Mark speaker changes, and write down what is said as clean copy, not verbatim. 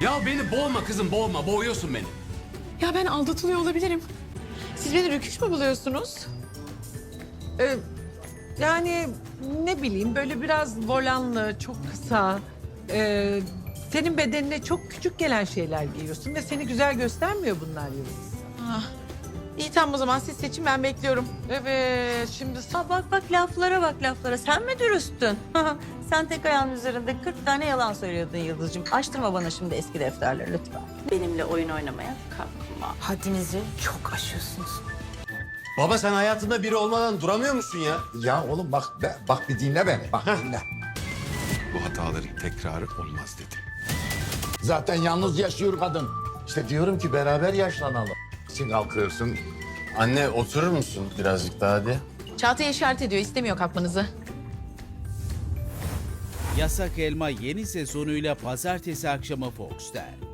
Speaker 1: Ya beni boğma kızım, boğma. Boğuyorsun beni.
Speaker 2: Ya ben aldatılıyor olabilirim. Siz beni rüküş mü buluyorsunuz?
Speaker 3: Yani ne bileyim böyle biraz volanlı, çok kısa. Senin bedenine çok küçük gelen şeyler giyiyorsun ve seni güzel göstermiyor bunlar Yıldız.
Speaker 2: Ah. İyi tamam o zaman siz seçin ben bekliyorum.
Speaker 3: Evet, şimdi
Speaker 4: Bak laflara bak laflara. Sen mi dürüsttün? Sen tek ayağın üzerinde 40 tane yalan söylüyordun Yıldız'cığım. Açtırma bana şimdi eski defterleri lütfen. Benimle oyun oynamaya kalkma. Haddinizi çok aşıyorsunuz.
Speaker 1: Baba sen hayatında biri olmadan duramıyor musun ya?
Speaker 5: Ya oğlum bak bir dinle beni. Bak dinle.
Speaker 6: Bu hataların tekrarı olmaz dedi.
Speaker 5: Zaten yalnız yaşıyor kadın. İşte diyorum ki beraber yaşlanalım. Sen kalkıyorsun.
Speaker 1: Anne oturur musun birazcık daha hadi?
Speaker 2: Çağatay işaret ediyor istemiyor kalkmanızı.
Speaker 7: Yasak Elma yeni sezonuyla pazartesi akşamı Fox'ta.